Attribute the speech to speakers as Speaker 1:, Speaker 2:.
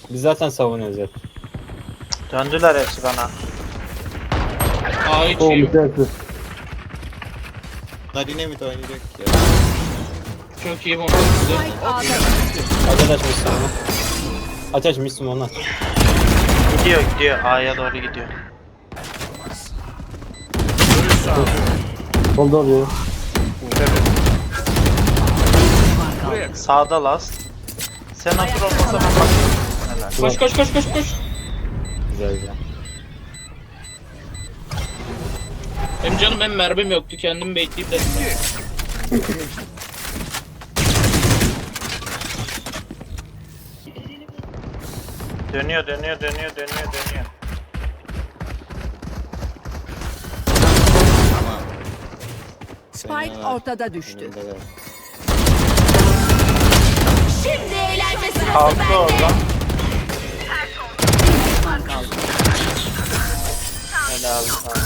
Speaker 1: Biz zaten savunuyoruz hep.
Speaker 2: Döndüler hepsi bana.
Speaker 3: A hiç
Speaker 4: O
Speaker 3: iyi.
Speaker 4: müteahhit.
Speaker 5: Nadine mi oynayacak ya?
Speaker 3: Çok iyi bomba. Güzel.
Speaker 6: Spike A'da
Speaker 1: Aç aç Müslüm onu. Aç aç Müslüm onu aç.
Speaker 2: Gidiyor. A'ya doğru gidiyor.
Speaker 4: Solda oluyor.
Speaker 2: Sağda last. Sen otur olmasa ben bakayım. Helal.
Speaker 3: Koş koş koş koş koş.
Speaker 1: Güzel güzel.
Speaker 3: Benim canım hem mermim yoktu, kendimi bekleyip dedim.
Speaker 2: Dönüyor.
Speaker 6: Spike ortada düştü.
Speaker 5: Önündeler.
Speaker 6: Şimdi eğlence sırası
Speaker 2: Kalktı
Speaker 6: bende.
Speaker 2: oradan.
Speaker 6: Düşman kaldı.
Speaker 2: Helal.